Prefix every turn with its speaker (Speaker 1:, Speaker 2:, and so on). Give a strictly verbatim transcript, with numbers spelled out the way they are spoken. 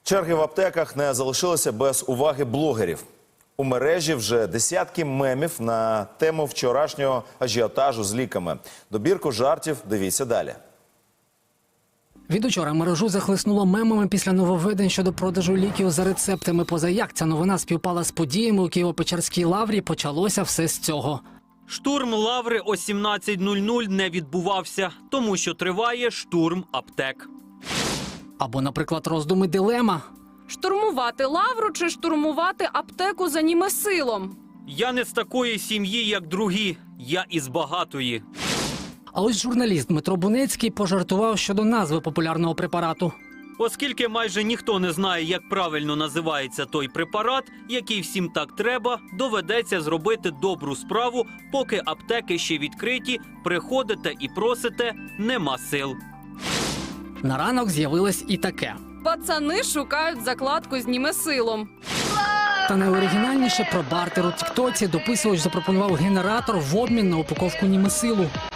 Speaker 1: Черги в аптеках не залишилися без уваги блогерів. У мережі вже десятки мемів на тему вчорашнього ажіотажу з ліками. Добірку жартів дивіться далі.
Speaker 2: Від учора мережу захлеснуло мемами після нововведень щодо продажу ліків за рецептами. Поза як ця новина співпала з подіями у Києво-Печерській лаврі, почалося все з цього.
Speaker 3: Штурм лаври о сімнадцять нуль нуль не відбувався, тому що триває штурм аптек.
Speaker 2: Або, наприклад, роздуми дилема.
Speaker 4: Штурмувати лавру чи штурмувати аптеку за німесилом?
Speaker 3: Я не з такої сім'ї, як другі, я із багатої.
Speaker 2: А ось журналіст Дмитро Бунецький пожартував щодо назви популярного препарату.
Speaker 3: Оскільки майже ніхто не знає, як правильно називається той препарат, який всім так треба, доведеться зробити добру справу, поки аптеки ще відкриті, приходите і просите, нема сил.
Speaker 2: На ранок з'явилось і таке.
Speaker 4: Пацани шукають закладку з німесилом.
Speaker 2: Та найоригінальніше про бартер у тіктоці дописувач запропонував генератор в обмін на упаковку німесилу.